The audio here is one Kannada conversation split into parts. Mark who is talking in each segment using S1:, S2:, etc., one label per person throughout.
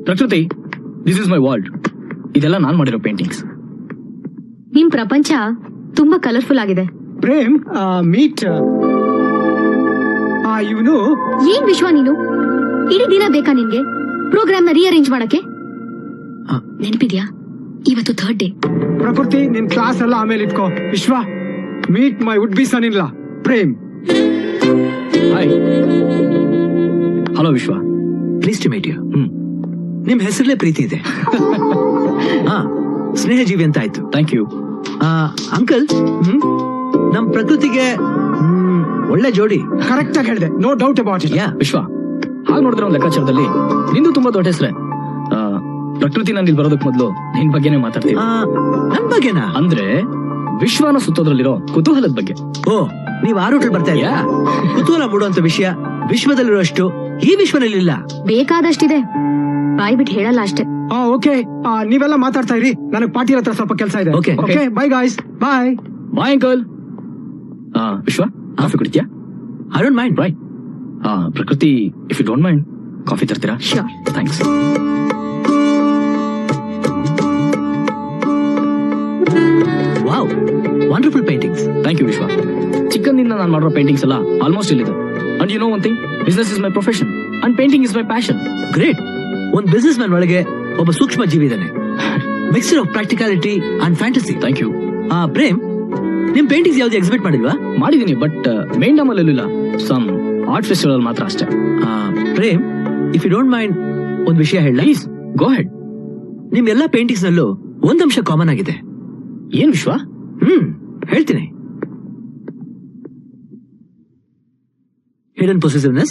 S1: ಪ್ರಕೃತಿ, ದಿಸ್ ಇಸ್ ಮೈ ವರ್ಲ್ಡ್. ಇದೆಲ್ಲ ನಾನ್ ಮಾಡಿರೋ ಪೇಂಟಿಂಗ್ಸ್.
S2: ನಿಮ್ ಪ್ರಪಂಚ ತುಂಬಾ ಕಲರ್ಫುಲ್ ಆಗಿದೆ.
S3: ಪ್ರೇಮ್, ಮೀಟ್ ಇವನು.
S2: ಏನ್ ವಿಶ್ವ ನೀನು? ಇಡೀ ದಿನ ಬೇಕಾ ನಿನ್ಗೆ ಪ್ರೋಗ್ರಾಮ್ ನ ರೀಅರೇಂಜ್ ಮಾಡಕ್ಕೆ? ನೆನಪಿದ್ಯಾ, ಇವತ್ತು 3rd ಡೇ.
S3: ಪ್ರಕೃತಿ, ನಿನ್ ಕ್ಲಾಸ್ ಎಲ್ಲ ಆಮೇಲೆ ಇಟ್ಕೋ. Vishwa, meet my would be son in law Prem.
S1: Hi. Hello Vishwa.
S4: Please to meet you. ನಿಮ್ ಹೆಸರಲ್ಲೇ ಪ್ರೀತಿ ಇದೆ. ಸ್ನೇಹಜೀವಿ ಅಂತ ಆಯ್ತು.
S1: Thank you.
S4: ಅಂಕಲ್, ನಮ್ ಪ್ರಕೃತಿಗೆ ಒಳ್ಳೆ ಜೋಡಿ.
S3: ಕರೆಕ್ಟ್ ಆಗಿ ಹೇಳಿದೆ, ನೋ ಡೌಟ್ ಅಬೌಟ್ ಇಟ್.
S1: ವಿಶ್ವ, ಹಾಗೆ ನೋಡಿದ್ರೆ ಒಂದು ಲೆಕ್ಕಾಚಾರದಲ್ಲಿ ನಿಂದು ತುಂಬಾ ದೊಡ್ಡ ಹೆಸರೇ. ಪ್ರಕೃತಿ, ನಾನು ಇಲ್ಲಿ ಬರೋದಕ್ ಮೊದಲು ನಿನ್ ಬಗ್ಗೆನೇ ಮಾತಾಡ್ತೀವಿ.
S4: ನನ್ ಬಗ್ಗೆನಾ?
S1: ಅಂದ್ರೆ ವಿಶ್ವನ ಸುತ್ತೋದ್ರಲ್ಲಿರೋ ಕುತೂಹಲದ ಬಗ್ಗೆ.
S4: ಓ, ನೀವ್ ಆ ರೂಟಲ್ಲಿ ಬರ್ತಾ ಇದೆಯಾ? ಕುತೂಹಲ ಮೂಡುವಂತ ವಿಷಯ ವಿಶ್ವದಲ್ಲಿರುವಷ್ಟು ಈ ವಿಶ್ವದಲ್ಲಿ ಇಲ್ಲ.
S2: ಬೇಕಾದಷ್ಟಿದೆ, ಬಾಯ್ ಬಿಟ್ಟು ಹೇಳಲ್ಲ ಅಷ್ಟೇ.
S3: ಓಕೆ, ನೀವೆಲ್ಲ ಮಾತಾಡ್ತಾ ಇರಿ, ನನಗೆ ಪಾರ್ಟಿ ಹತ್ರ ಸ್ವಲ್ಪ ಕೆಲಸ ಇದೆ.
S4: Okay,
S3: bye guys. Bye
S1: bye uncle. Vishwa, coffee ಕುಡಿತ್ಯಾ?
S4: I don't mind.
S1: Bye. Prakriti, if you don't mind, coffee ತರ್ತೀರಾ?
S2: Sure.
S1: Thanks.
S4: Wow, wonderful paintings.
S1: Thank you Vishwa. ಚಿಕ್ಕಂದಿಂದ ನಾನು ಮಾಡಿರೋ ಪೇಂಟಿಂಗ್ಸ್ ಎಲ್ಲ ಆಲ್ಮೋಸ್ಟ್ ಇಲ್ಲಿದೆ. And you know one thing, business is my profession and painting is my passion.
S4: Great. ಒಂದ್ ಬಿಸ್ನೆಸ್ ಮ್ಯಾನ್ ಒಳಗೆ ಒಬ್ಬ ಸೂಕ್ಷ್ಮ ಜೀವಿ ಇದ್ದಾನೆ. Mixture of practicality and fantasy.
S1: Thank you.
S4: Prem, ನಿಮ್ ಪೇಂಟಿಂಗ್ಸ್ ಯಾವ್ದು ಎಕ್ಸಿಬಿಟ್ ಮಾಡಿಲ್ವಾ?
S1: ಮಾಡಿದೀನಿ, ಬಟ್ ಮೇನ್ ಡಾಮ್ ಅಲ್ಲಿ ಇಲ್ಲ. ಸಮ್ ಆರ್ಟ್ ಫೆಸ್ಟಿವಲ್ ಮಾತ್ರ ಅಷ್ಟೇ.
S4: Prem, if you don't mind, ಒಂದ್ ವಿಷಯ ಹೇಳ.
S1: Please go ahead.
S4: ನಿಮ್ ಎಲ್ಲಾ ಪೇಂಟಿಂಗ್ಸ್ ನಲ್ಲೂ ಒಂದಂಶ ಕಾಮನ್ ಆಗಿದೆ.
S1: ಏನ್ ವಿಶ್ವ?
S4: ಹೇಳ್ತೀನಿ. Hidden possessiveness.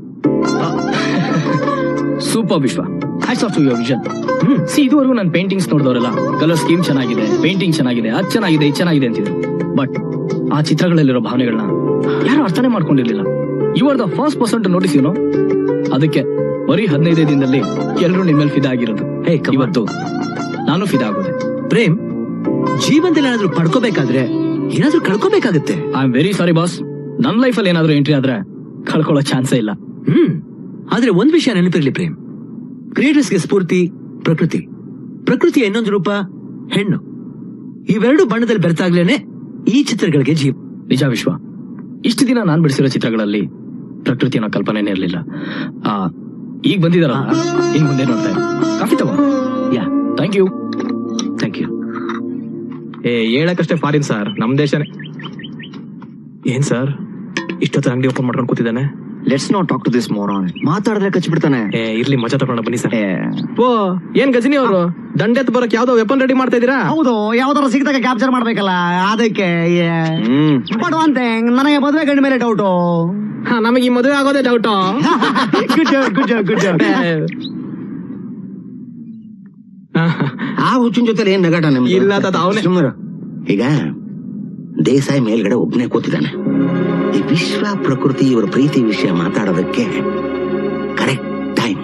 S1: Super Vishwa, hats off to your vision. ಇದುವರೆಗೂ ನನ್ನ ಪೇಂಟಿಂಗ್ಸ್ ನೋಡಿದವರೆಲ್ಲ ಕಲರ್ ಸ್ಕೀಮ್ ಚೆನ್ನಾಗಿದೆ, ಪೇಂಟಿಂಗ್ ಚೆನ್ನಾಗಿದೆ, ಅದು ಚೆನ್ನಾಗಿದೆ, ಇದು ಚೆನ್ನಾಗಿದೆ ಅಂತಿದ್ರು. ಬಟ್ ಆ ಚಿತ್ರಗಳಲ್ಲಿರೋ ಭಾವನೆಗಳನ್ನ ಯಾರು ಅರ್ಥನೇ ಮಾಡ್ಕೊಂಡಿರ್ಲಿಲ್ಲ. You are the first person to notice, you know. ಅದಕ್ಕೆ ಬರೀ 15 ದಿನದಲ್ಲಿ ಎಲ್ಲರೂ ನಿಮ್ಮಲ್ಲಿ ಫಿದಾ ಆಗಿರೋದು. ಇವತ್ತು ನಾನು ಫಿದಾ ಆಗೋದೆ.
S4: ಪ್ರೇಮ್, ಜೀವನದಲ್ಲಿ ಏನಾದ್ರೂ ಪಡ್ಕೋಬೇಕಾದ್ರೆ ಏನಾದ್ರೂ ಕಳ್ಕೋಬೇಕಾಗತ್ತೆ.
S1: I am very sorry boss, ನನ್ನ ಲೈಫಲ್ಲಿ ಏನಾದ್ರೂ ಎಂಟ್ರಿ ಆದ್ರೆ ಕಳ್ಕೊಳ್ಳೋ ಚಾನ್ಸೇ ಇಲ್ಲ.
S4: ಆದ್ರೆ ಒಂದ್ ವಿಷಯ ನೆನಪಿರ್ಲಿ ಪ್ರೇಮ್, ಕ್ರಿಯೇಟರ್ಸ್ಗೆ ಸ್ಫೂರ್ತಿ ಪ್ರಕೃತಿ, ಪ್ರಕೃತಿಯ ಇನ್ನೊಂದು ರೂಪ ಹೆಣ್ಣು. ಇವೆರಡು ಬಣ್ಣದಲ್ಲಿ ಬೆರೆತಾಗ್ಲೇನೆ ಈ ಚಿತ್ರಗಳಿಗೆ ಜೀವ.
S1: ನಿಜ ವಿಶ್ವ, ಇಷ್ಟು ದಿನ ನಾನ್ ಬಿಡಿಸಿರೋ ಚಿತ್ರಗಳಲ್ಲಿ ಪ್ರಕೃತಿ ಅನ್ನೋ ಕಲ್ಪನೆನೇ ಇರ್ಲಿಲ್ಲ. ಈಗ ಬಂದಿದಾರ, ಇನ್ ಮುಂದೆ ನೋಡ್ತಾ ಇದ್ದೀನಿ. ಕಾಫಿ ತಗೋ. Yeah, thank you.
S4: Thank you.
S5: ಹೇಳಕ್ಕಷ್ಟೇ ಫಾರಿನ್ ಸರ್, ನಮ್ ದೇಶನೇ. ಏನ್ ಸರ್ ಇಷ್ಟೊತ್ತು ಅಂಗಡಿ ಓಪನ್ ಮಾಡ್ಕೊಂಡು ಕೂತಿದ್ದಾನೆ?
S6: Let's not talk to this moron. ಮಾತಾಡಿದ್ರೆ ಕಚ್ಚಿಬಿಡ್ತಾನೆ.
S5: ಇರ್ಲಿ, ಮಜಾ ತಗೊಂಡ ಬನ್ನಿ ಸರ್. ಓ, ಏನ್ ಗಜನಿ ಅವರು ದಂಡೆತ್ ಬರಕ್ ಯಾವ್ದೋ ವೆಪನ್ ರೆಡಿ ಮಾಡ್ತಾ ಇದೀರಾ?
S6: ಹೌದು, ಯಾವ್ದಾರ ಸಿಗದಾಗ ಕ್ಯಾಪ್ಚರ್ ಮಾಡ್ಬೇಕಲ್ಲ, ಅದಕ್ಕೆ. ಬಟ್ ಒನ್ ಥಿಂಗ್, ನನಗೆ ಮದುವೆ ಗಂಡ ಮೇಲೆ ಡೌಟು.
S5: ನಮಗೆ ಈ ಮದುವೆ ಆಗೋದೇ doubt.
S6: Good job, good job, good job.
S7: ಆ ಹುಚ್ಚಿನ ಜೊತೆ ಏನ್ ನಗಾಟ ನಿಮ್ಗೆ?
S5: ಇಲ್ಲ ತಾತ, ಅವನೇ.
S7: ಈಗ ದೇಸಾಯಿ ಮೇಲ್ಗಡೆ ಒಬ್ನೇ ಕೂತಿದ್ದಾನೆ. ಈ ವಿಶ್ವ ಪ್ರಕೃತಿ ಇವರ ಪ್ರೀತಿ ವಿಷಯ ಮಾತಾಡೋದಕ್ಕೆ ಕರೆಕ್ಟ್ ಟೈಮ್.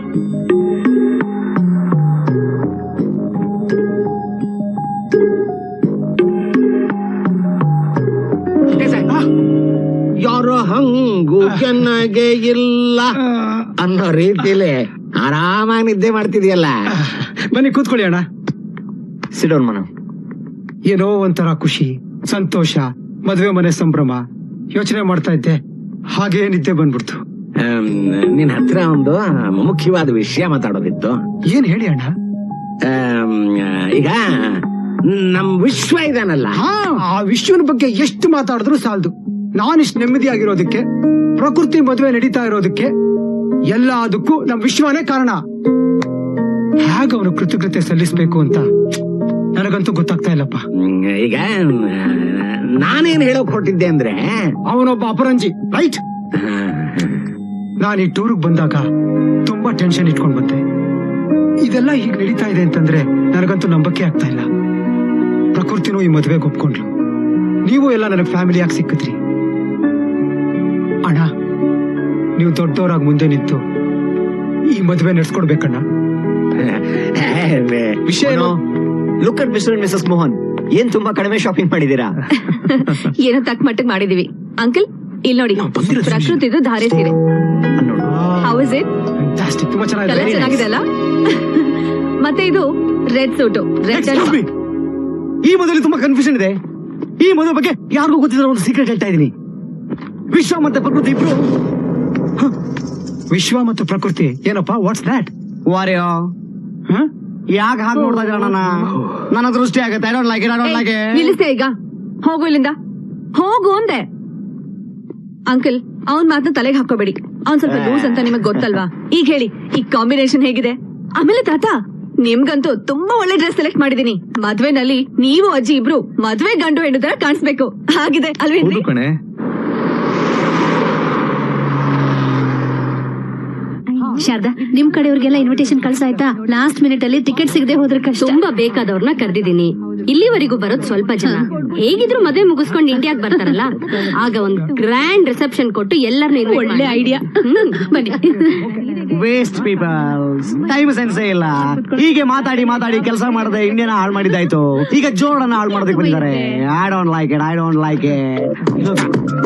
S7: ಯಾರೋ ಹಂಗು ಚೆನ್ನಾಗೆ ಇಲ್ಲ ಅನ್ನೋ ರೀತಿಲಿ ಆರಾಮಾಗಿ ನಿದ್ದೆ ಮಾಡ್ತಿದ್ಯಲ್ಲ.
S3: ಬನ್ನಿ ಕೂತ್ಕೊಳ್ಳಿ ಅಣ್ಣ.
S6: ಸಿಡೋನ್ ಮನ.
S3: ಏನೋ ಒಂಥರ ಖುಷಿ, ಸಂತೋಷ, ಮದುವೆ ಮನೆ ಸಂಭ್ರಮ ಯೋಚನೆ ಮಾಡ್ತಾ ಇದ್ದೆ, ಹಾಗೆ ನಿದ್ದೆ ಬಂದ್ಬಿಡ್ತು.
S7: ನಿನ್ ಹತ್ರ ಒಂದು ಮುಖ್ಯವಾದ ವಿಷಯ ಮಾತಾಡೋದಿತ್ತು.
S3: ಏನ್ ಹೇಳಿ ಅಣ್ಣ?
S7: ಈಗ ನಮ್ ವಿಶ್ವ ಇದಾನಲ್ಲ,
S3: ಆ ವಿಶ್ವನ ಬಗ್ಗೆ ಎಷ್ಟು ಮಾತಾಡಿದ್ರು ಸಾಲದು. ನಾನಿಷ್ಟು ನೆಮ್ಮದಿಯಾಗಿರೋದಕ್ಕೆ, ಪ್ರಕೃತಿ ಮದುವೆ ನಡೀತಾ ಇರೋದಕ್ಕೆ, ಎಲ್ಲದಕ್ಕೂ ನಮ್ ವಿಶ್ವನೇ ಕಾರಣ. ಹೇಗೆ ಅವನು ಕೃತಜ್ಞತೆ ಸಲ್ಲಿಸ್ಬೇಕು ಅಂತ ನನಗಂತೂ ಗೊತ್ತಾಗ್ತಾ ಇಲ್ಲಪ್ಪ.
S7: ಈಗ ನಾನೇನ್ ಹೇಳೋಕ್ ಹೊರಟಿದ್ದೆ ಅಂದ್ರೆ,
S3: ಅವನೊಬ್ಬ ಅಪರಂಜಿ, ರೈಟ್? ನಾನು ಈ ಟೂರ್ಗ್ ಬಂದಾಗ ತುಂಬಾ ಟೆನ್ಷನ್ ಇಟ್ಕೊಂಡ್ ಬಂದೆ. ಇದೆಲ್ಲ ಹೀಗ್ ನಡೀತಾ ಇದೆ ಅಂತಂದ್ರೆ ನನಗಂತೂ ನಂಬಕ್ಕೆ ಆಗ್ತಾ ಇಲ್ಲ. ಪ್ರಕೃತಿನೂ ಈ ಮದುವೆಗೆ ಒಪ್ಕೊಂಡ್ಲು, ನೀವು ಎಲ್ಲ ನನಗ್ ಫ್ಯಾಮಿಲಿಯಾಗಿ ಸಿಕ್ಕಿದ್ರಿ. ಅಣ್ಣ, ನೀವು ದೊಡ್ಡವರಾಗಿ ಮುಂದೆ ನಿಂತು ಈ ಮದುವೆ ನಡ್ಸ್ಕೊಡ್ಬೇಕಣ್ಣ.
S6: ವಿಷಯ ಏನು? Look at mister and Mrs Mohan, ಏನ್ ತುಂಬಾ ಕಡಿಮೆ ಶಾಪಿಂಗ್ ಮಾಡಿದೀರಾ?
S2: ಏನೋ ತಕ್ಕ ಮಟ್ಟಿಗೆ ಮಾಡಿದೀವಿ. ಅಂಕಲ್, ಇಲ್ಲಿ ನೋಡಿ, ಪ್ರಕೃತಿದು ಧಾರೆ ಸೀರೆ. How is it?
S3: ಫ್ಯಾಂಟಾಸ್ಟಿಕ್, ತುಂಬಾ
S2: ಕಲರ್
S3: ಚೆನ್ನಾಗಿದೆ.
S2: ಚೆನ್ನಾಗಿದೆ ಅಲ್ಲ? ಮತ್ತೆ ಇದು red suit, red
S6: Excuse me. ಈ ಮದುವೆ ತುಂಬಾ ಕನ್ಫ್ಯೂಷನ್ ಇದೆ. ಈ ಮದುವೆ ಬಗ್ಗೆ ಯಾರಿಗೂ ಗೊತ್ತಿರೋ ಒಂದು ಸೀಕ್ರೆಟ್ ಹೇಳ್ತಾ ಇದೀನಿ. ವಿಶ್ವ ಮತ್ತೆ ಪ್ರಕೃತಿ ಇಬ್ರು
S3: ವಿಶ್ವ ಮತ್ತು ಪ್ರಕೃತಿ ಏನಪ್ಪಾ? What's that?
S6: ವಾರ್ಯೋ ಯಾಕೆ ಹಾಗೆ ನೋಡ್ತಾ ಇದ್ದೀರ ನನ್ನ ದೃಷ್ಟಿ ಆಗತ್ತೆ. I don't like it, I don't like it.
S2: ನಿಲ್ಲಿಸ್ತೆ ಈಗ, ಹೋಗು ಇಲ್ಲಿಂದ, ಹೋಗು ಅಂದೆ. ಅಂಕಲ್, ಅವನ್ ಮಾತನ್ನ ತಲೆಗೆ ಹಾಕೋಬೇಡಿ, ಅವ್ನ್ ಸ್ವಲ್ಪ ಲೂಸ್ ಅಂತ ನಿಮಗ್ ಗೊತ್ತಲ್ವಾ? ಈಗ ಹೇಳಿ, ಈ ಕಾಂಬಿನೇಷನ್ ಹೇಗಿದೆ? ಆಮೇಲೆ ತಾತ, ನಿಮ್ಗಂತೂ ತುಂಬಾ ಒಳ್ಳೆ ಡ್ರೆಸ್ ಸೆಲೆಕ್ಟ್ ಮಾಡಿದೀನಿ. ಮದ್ವೆನಲ್ಲಿ ನೀವು ಅಜ್ಜಿ ಇಬ್ರು ಮದ್ವೆ ಗಂಡು ಹೆಣ್ಣು ತರ ಕಾಣಿಸ್ಬೇಕು, ಹಾಗಿದೆ ಅಲ್ವೇನ್ರಿ?
S5: ಕಣೆ.
S2: ಶಾರದಾ, ನಿಮ್ ಕಡೆಯವ್ರಿಗೆಲ್ಲ ಇನ್ವಿಟೇಷನ್ ಕಳ್ಸಾಯ್ತಾ? ಲಾಸ್ಟ್ ಮಿನಿಟ್ ಅಲ್ಲಿ ಟಿಕೆಟ್ ಸಿಗದೆ ಹೋದ್ರೆ ಕಷ್ಟ. ತುಂಬಾ ಬೇಕಾದವ್ರನ್ನ ಕರೆದಿದ್ದೀನಿ. ಇಲ್ಲಿವರೆಗೂ ಬರೋದ್ ಸ್ವಲ್ಪ ಜನ. ಹೇಗಿದ್ರು ಮದುವೆ ಮುಗಿಸ್ಕೊಂಡು ಇಂಡಿಯಾಗ್ ಬರ್ತಾರಲ್ಲ, ಆಗ ಒಂದ್ ಗ್ರ್ಯಾಂಡ್ ರಿಸೆಪ್ಷನ್ ಕೊಟ್ಟು ಎಲ್ಲರನ್ನೂ ಒಳ್ಳೆ ಐಡಿಯಾ. ಬನ್ನಿ.
S6: ವೇಸ್ಟ್ ಪೀಪಲ್ಸ್, ಟೈಮ್ ಸೆನ್ಸೇ ಇಲ್ಲ. ಹೀಗೆ ಮಾತಾಡಿ ಮಾತಾಡಿ ಕೆಲಸ ಮಾಡದೆ ಇಂಡಿಯಾನ ಹಾಳು ಮಾಡಿದ್ದಾಯ್ತು. ಈಗ ಜೋಡನ್ನ ಹಾಳು ಮಾಡೋದಕ್ಕೆ ಬಂದಿದ್ದಾರೆ. I don't like it, I don't like it.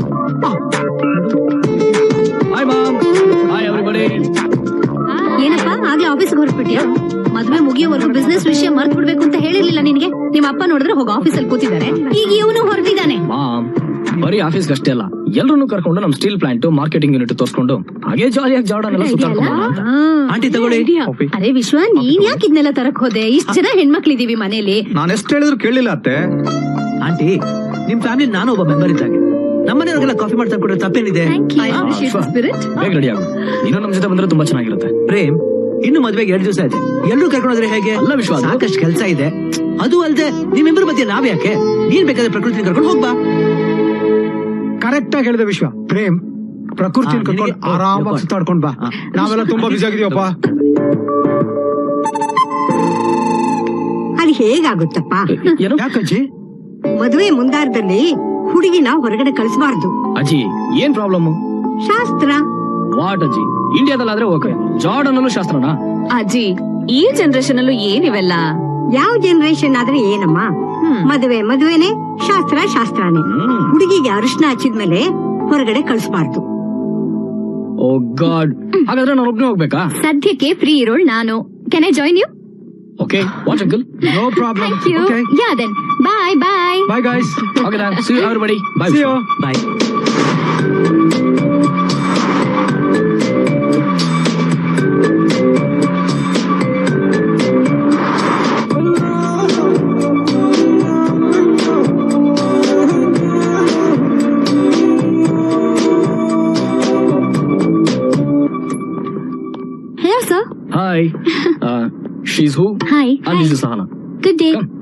S1: Hi mom, hi everybody.
S2: ಏನಪ್ಪಾ ಆಗ್ಲೇ ಆಫೀಸ್ಗೆ ಹೊರಟ್ಬಿಟ್ಯಾ? ಮದ್ವೆ ಮುಗಿಯೋವರೆಗೂ ಬಿಸ್ನೆಸ್ ವಿಷಯ ಮರ್ತ್ ಬಿಡ್ಬೇಕು ಅಂತ ಹೇಳಿರ್ಲಿಲ್ಲ ನಿನ್ಗೆ? ನಿಮ್ಮ ಅಪ್ಪ ನೋಡಿದ್ರೆ ಹೋಗಿ ಆಫೀಸಲ್ಲಿ ಕೂತಿದ್ದಾರೆ, ಈಗ ಇವನು ಹೊರಟಿದ್ದಾನೆ.
S1: ಮಾಮ್, ಬರೀ ಆಫೀಸ್ಗೆ ಅಷ್ಟೇ ಅಲ್ಲ, ಎಲ್ಲರನ್ನು ಕರ್ಕೊಂಡು ನಮ್ ಸ್ಟೀಲ್ ಪ್ಲಾಂಟ್ ಮಾರ್ಕೆಟಿಂಗ್ ಯೂನಿಟ್ ತೋರ್ಸ್ಕೊಂಡು ಹಾಗೆ ಜಾಲಿಯಾಗಿ ಜಾರ್ಡನ್ ಎಲ್ಲ ಸುತ್ತಾಡ್ಕೊಂಡು ಅಂತ.
S4: ಆಂಟಿ ತಗೊಳ್ಳಿ.
S2: ಅರೆ ವಿಶ್ವ, ನೀನ್ ಯಾಕೆ ಇದನ್ನೆಲ್ಲ ತರಕ್ ಹೋದೆ? ಇಷ್ಟ ಜನ ಹೆಣ್ಮಕ್ಳಿದೀವಿ ಮನೇಲಿ.
S5: ನಾನು ಎಷ್ಟು ಹೇಳಿದ್ರು ಕೇಳಿಲ್ಲ ಅತ್ತೆ.
S4: ಆಂಟಿ, ನಿಮ್ ಫ್ಯಾಮಿಲಿ ನಾನು ಒಬ್ಬ ಮೆಂಬರ್ ಇದ್ದಾಗೆ. ನಮ್ಮನೆಯವ್ರಿಗೆಲ್ಲ ಕಾಫಿ ಮಾಡ್ತಾ ಕೊಡೋ ತಪ್ಪೇನಿದೆ?
S1: ಬೇಗ ರೆಡಿ ಆಗು, ನೀನು ನಮ್ ಜೊತೆ ಬಂದ್ರೆ ತುಂಬಾ ಚೆನ್ನಾಗಿರುತ್ತೆ.
S4: ಪ್ರೇಮ್, ಇನ್ನು ಮದ್ವೆಗೆ 2 ದಿವಸ ಇದೆ, ಎಲ್ಲರೂ ಕರ್ಕೊಂಡ್ರೆ ಹೇಗೆ?
S1: ಅಲ್ಲ ವಿಶ್ವ, ಅದು-
S4: ಸಾಕಷ್ಟು ಕೆಲಸ ಇದೆ. ಅದು ಅಲ್ದೆ ನಿಮ್ಮಿಬ್ಬರ ಮಧ್ಯೆ ನಾವ್ ಯಾಕೆ? ನೀನ್ ಬೇಕಾದ್ರೆ ಪ್ರಕೃತಿ ಕರ್ಕೊಂಡು ಹೋಗ್ಬಾ.
S3: ಕರೆಕ್ಟ್ ಆಗಿ ಹೇಳಿದೆ ವಿಶ್ವ. ಪ್ರೇಮ್, ಪ್ರಕೃತಿ
S4: ಹಾ,
S3: ಕರ್ಕೊಂಡು
S4: ನಿನಗೆ-
S3: ಆರಾಮಾಗಿ ಸುತ್ತಾಡ್ಕೊಂಡ್ ಬಾ.
S4: ಹಾ.
S3: ನಾವೆಲ್ಲ ತುಂಬಾ ಬಿಸಿ ಆಗಿದೀವಪ್ಪ.
S8: ಅದು ಹೇಗಾಗುತ್ತಪ್ಪ?
S1: ಏನು
S3: ಯಾಕಜ್ಜಿ?
S8: ಮದುವೆ ಮುಂದಾರದಲ್ಲಿ ಹುಡುಗಿನ ಹೊರಗಡೆ ಕಳಿಸಬಾರ್ದು.
S1: ಅಜ್ಜಿ, ಏನ್ ಪ್ರಾಬ್ಲಮ್?
S8: ಶಾಸ್ತ್ರ.
S1: ವಾಟ್ ಅಜ್ಜಿ, ಇಂಡಿಯಾದಲ್ಲಾದ್ರೆ ಓಕೆ, ಜಾರ್ಡನ್ ಅಲ್ಲೂ ಶಾಸ್ತ್ರನಾ?
S2: ಅಜ್ಜಿ, ಈ ಜನರೇಷನ್ ಅಲ್ಲೂ ಏನಿವೆಲ್ಲ?
S8: ಯಾವ ಜನರೇಷನ್ ಆದ್ರೆ ಏನಮ್ಮ, ಮದುವೆ ಮದುವೆನೆ, ಶಾಸ್ತ್ರ ಶಾಸ್ತ್ರನೇ. ಹುಡುಗಿಗೆ ಅರಿಶಿನ ಹಚ್ಚಿದ್ಮೇಲೆ ಹೊರಗಡೆ ಕಳಿಸಬಾರ್ದು.
S1: ಓ ಗಾಡ್, ಹಾಗಾದ್ರೆ ನಾನು ಒಬ್ನೇ ಹೋಗ್ಬೇಕಾ?
S2: ಸದ್ಯಕ್ಕೆ ಫ್ರೀ ಇರೋಳ್ ನಾನು. Can I join you?
S1: Okay, what uncle?
S3: No problem.
S2: Thank you.
S3: Okay,
S2: Yeah then. Bye bye.
S3: Bye guys.
S1: Okay then, see you everybody. Bye.
S3: See you.
S4: Bye.
S2: Hello sir.
S1: Hi. She's who?
S2: Hi.
S1: And this is Sahana.
S2: Good day.
S1: Come.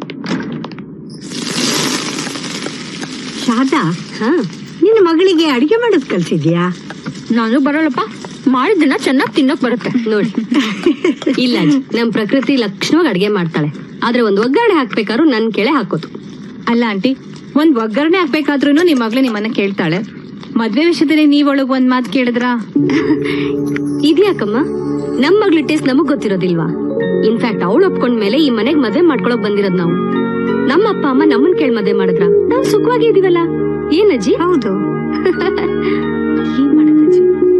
S8: Sharada, ನಿನ್ನ ಮಗಳಿಗೆ ಅಡಿಗೆ ಮಾಡೋದ್ ಕಲ್ಸಿದ್ಯಾ?
S2: ನಾನು ಬರಲ್ಲಪ್ಪ, ಮಾಡಿದ್ದನ್ನ ಚೆನ್ನಾಗಿ ತಿನ್ನಕ್ ಬರುತ್ತೆ ನೋಡಿ. ಇಲ್ಲ ಅಜ್ಜಿ, ನಮ್ ಪ್ರಕೃತಿ ಲಕ್ಷಣವಾಗಿ ಅಡ್ಗೆ ಮಾಡ್ತಾಳೆ. ಆದ್ರೆ ಒಂದ್ ಒಗ್ಗರಣೆ ಹಾಕ್ಬೇಕಾದ್ರೂ ನನ್ ಕೆಳೆ ಹಾಕೋದು. ಅಲ್ಲ ಆಂಟಿ, ಒಂದ್ ಒಗ್ಗರಣೆ ಹಾಕ್ಬೇಕಾದ್ರೂ ನಿಮ್ ಮಗಳು ನಿಮ್ಮನ್ನ ಕೇಳ್ತಾಳೆ. ಮದ್ವೆ ವಿಷಯದಲ್ಲಿ ನೀವೊಳಗ್ ಒಂದ್ ಮಾತು ಕೇಳಿದ್ರ? ಇದ್ಯಾಕಮ್ಮ, ನಮ್ ಮಗಳ ಟೇಸ್ಟ್ ನಮಗ್ ಗೊತ್ತಿರೋದಿಲ್ವಾ? ಇನ್ಫ್ಯಾಕ್ಟ್ ಅವಳು ಒಪ್ಕೊಂಡ್ಮೇಲೆ ಈ ಮನೆಗ್ ಮದ್ವೆ ಮಾಡ್ಕೊಳಕ್ ಬಂದಿರೋದ್ ನಾವು. ನಮ್ಮ ಅಪ್ಪ ಅಮ್ಮ ನಮ್ಮನ್ ಕೇಳಿ ಮದ್ವೆ ಮಾಡಿದ್ರ ನಾವ್ ಸುಖವಾಗಿ ಇದೀವಲ್ಲ. ಏನಜ್ಜಿ?
S8: ಹೌದು.
S2: ಏನ್ ಮಾಡೋದಜ್ಜಿ?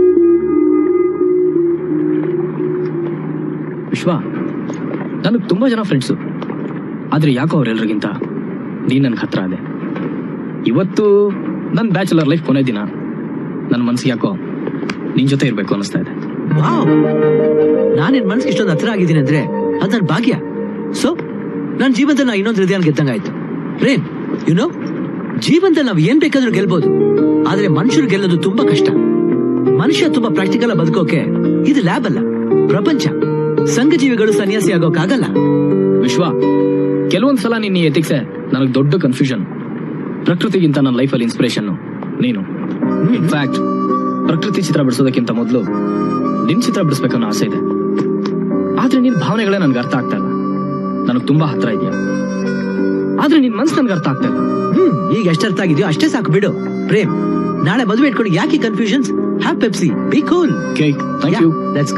S1: ವಿಶ್ವ, ನನಗ್ ತುಂಬಾ ಜನ ಫ್ರೆಂಡ್ಸು, ಆದ್ರೆ ಯಾಕೋ ಅವ್ರೆಲ್ರಿಗಿಂತ ನೀನ್ ನನ್ಗೆ ಹತ್ರ ಅದೆ. ಇವತ್ತು ನನ್ ಬ್ಯಾಚುಲರ್ ಲೈಫ್ ಕೊನೆ ದಿನ. ನನ್ ಮನ್ಸಿಗೆ ಯಾಕೋ ನಿನ್ ಜೊತೆ ಇರ್ಬೇಕು ಅನಿಸ್ತಾ ಇದೆ.
S4: ವಾವ್, ನಾನ್ ನಿನ್ ಮನ್ಸಿಗೆ ಇಷ್ಟೊಂದು ಹತ್ರ ಆಗಿದ್ದೀನಿ ಅಂದ್ರೆ ಅದ್ ನನ್ ಭಾಗ್ಯ. ಸೊ ನನ್ ಜೀವನದಲ್ಲಿ ನಾ ಇನ್ನೊಂದು ಹೃದಯ ಗೆದ್ದಂಗಾಯ್ತು. ಪ್ರೇಮ್, ಯುನೋ, ಜೀವನದಲ್ಲಿ ನಾವ್ ಏನ್ ಬೇಕಾದ್ರೂ ಗೆಲ್ಬಹುದು, ಆದ್ರೆ ಮನುಷ್ಯರು ಗೆಲ್ಲೋದು ತುಂಬಾ ಕಷ್ಟ. ಮನುಷ್ಯ ತುಂಬಾ ಪ್ರಾಕ್ಟಿಕಲ್ ಬದುಕೋಕೆ ಇದು ಲ್ಯಾಬ್ ಅಲ್ಲ, ಪ್ರಪಂಚ. ಸಂಘಜೀವಿಗಳು ಸನ್ಯಾಸಿ ಆಗೋಕಾಗಲ್ಲ.
S1: ವಿಶ್ವ, ಕೆಲವೊಂದ್ಸಲ ನಿನ್ನ ಎಥಿಕ್ಸೆ ನನಗ್ ದೊಡ್ಡ ಕನ್ಫ್ಯೂಷನ್. ಪ್ರಕೃತಿಗಿಂತ ನನ್ನ ಲೈಫಲ್ಲಿ ಇನ್ಸ್ಪಿರೇಷನ್ ನೀನು. ಇನ್ಫ್ಯಾಕ್ಟ್ ಪ್ರಕೃತಿ ಚಿತ್ರ ಬಿಡಿಸೋದಕ್ಕಿಂತ ಮೊದಲು ನಿನ್ ಚಿತ್ರ ಬಿಡಿಸ್ಬೇಕನ್ನೋ ಆಸೆ ಇದೆ. ಆದ್ರೆ ನಿನ್ ಭಾವನೆಗಳೇ ನನ್ಗೆ ಅರ್ಥ ಆಗ್ತಾ ಇಲ್ಲ. ನನಗ್ ತುಂಬಾ ಹತ್ರ ಇದೆಯಾ, ಆದ್ರೆ ನಿನ್ ಮನ್ಸು ನನ್ಗೆ ಅರ್ಥ ಆಗ್ತಾ ಇಲ್ಲ.
S4: ಈಗ ಎಷ್ಟು ಅರ್ಥ ಆಗಿದೆಯೋ ಅಷ್ಟೇ ಸಾಕು ಬಿಡು. ಪ್ರೇಮ್, ನಾಳೆ ಮದುವೆ ಇಟ್ಕೊಂಡು ಯಾಕೆ confusions? Have Pepsi, be cool.
S1: Okay, thank you.
S4: Let's